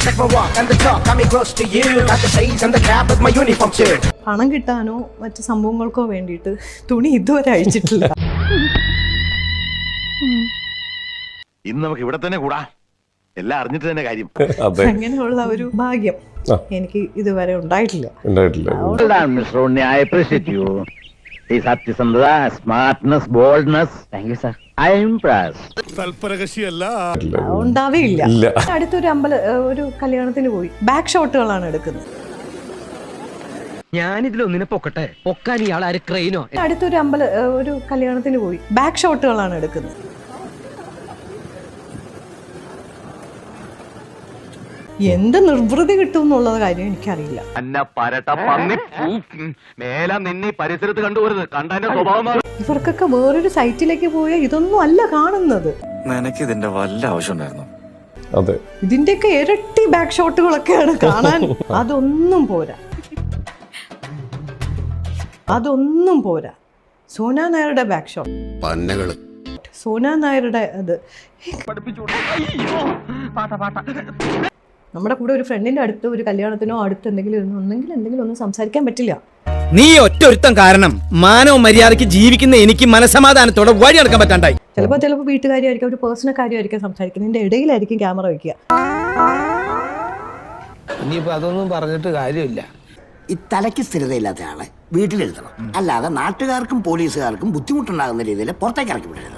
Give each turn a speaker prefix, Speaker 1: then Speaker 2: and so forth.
Speaker 1: Check my walk and the talk, coming close to you. Got the shades and the cap with my uniform too.
Speaker 2: പണം കിട്ടാനോ മറ്റു സംഭവങ്ങൾക്കോ വേണ്ടിയിട്ട് തുണി ഇതുവരെ അഴിച്ചിട്ടില്ല.
Speaker 3: ഇന്ന് നമുക്ക് ഇവിടെ തന്നെ കൂടാ, എല്ലാം അറിഞ്ഞിട്ട് തന്നെ കാര്യം.
Speaker 2: അങ്ങനെയുള്ള ഒരു ഭാഗ്യം എനിക്ക് ഇതുവരെ ഉണ്ടായിട്ടില്ല.
Speaker 4: ഈ സത്യസന്ധത, smartness, boldness, thank you sir, I am impressed.
Speaker 2: ഉണ്ടാവേയില്ല. അടുത്തൊരു ഒരു കല്യാണത്തിന് പോയി ബാക്ക് ഷോട്ടുകളാണ് എടുക്കുന്നത്.
Speaker 5: ഞാനിതിലൊന്നിനെ പൊക്കട്ടെ, പൊക്കാൻ ഇയാൾ ആര് ക്രെയിനോ?
Speaker 2: അടുത്തൊരു ഒരു കല്യാണത്തിന് പോയി ബാക്ക് ഷോട്ടുകളാണ് എടുക്കുന്നത്. എന്ത് നിർവൃതി കിട്ടും എന്നുള്ള കാര്യം എനിക്കറിയില്ല. ഇവർക്കൊക്കെ വേറൊരു സൈറ്റിലേക്ക് പോയാൽ ഇതൊന്നും അല്ല കാണുന്നത്.
Speaker 6: ഇതിന്റെ വല്ല ആവശ്യമുണ്ടായിരുന്നു.
Speaker 2: ഇതിന്റെയൊക്കെ ഇരട്ടി ബാക്ക് ഷോട്ടുകളൊക്കെയാണ് കാണാൻ. അതൊന്നും പോരാ. സോന നായരുടെ ബാക്ക് ഷോട്ട്, സോന നായരുടെ അത് നമ്മുടെ കൂടെ ഒരു ഫ്രണ്ടിന്റെ അടുത്ത് ഒരു കല്യാണത്തിനോ അടുത്ത് എന്തെങ്കിലും ഒന്നും സംസാരിക്കാൻ പറ്റില്ല.
Speaker 5: നീ ഒറ്റൊരുത്തം കാരണം മാനവ മര്യാദയ്ക്ക് ജീവിക്കുന്ന എനിക്ക് മനസമാധാനത്തോടെ വഴി നടക്കാൻ പറ്റാണ്ടായി.
Speaker 2: ചിലപ്പോൾ വീട്ടുകാരിയായിരിക്കും, ഒരു പേഴ്സണൽ കാര്യമായിരിക്കും സംസാരിക്കുന്നതിന്റെ ഇടയിലായിരിക്കും ക്യാമറ വെക്കുക.
Speaker 7: ഇനിയിപ്പോ അതൊന്നും പറഞ്ഞിട്ട് കാര്യമില്ല.
Speaker 8: ഈ തലയ്ക്ക് സ്ഥിരതയില്ലാത്ത ആളെ വീട്ടിലെടുത്തണം, അല്ലാതെ നാട്ടുകാർക്കും പോലീസുകാർക്കും ബുദ്ധിമുട്ടുണ്ടാകുന്ന രീതിയിൽ പുറത്തേക്ക് ഇറക്കി വിടരുത്.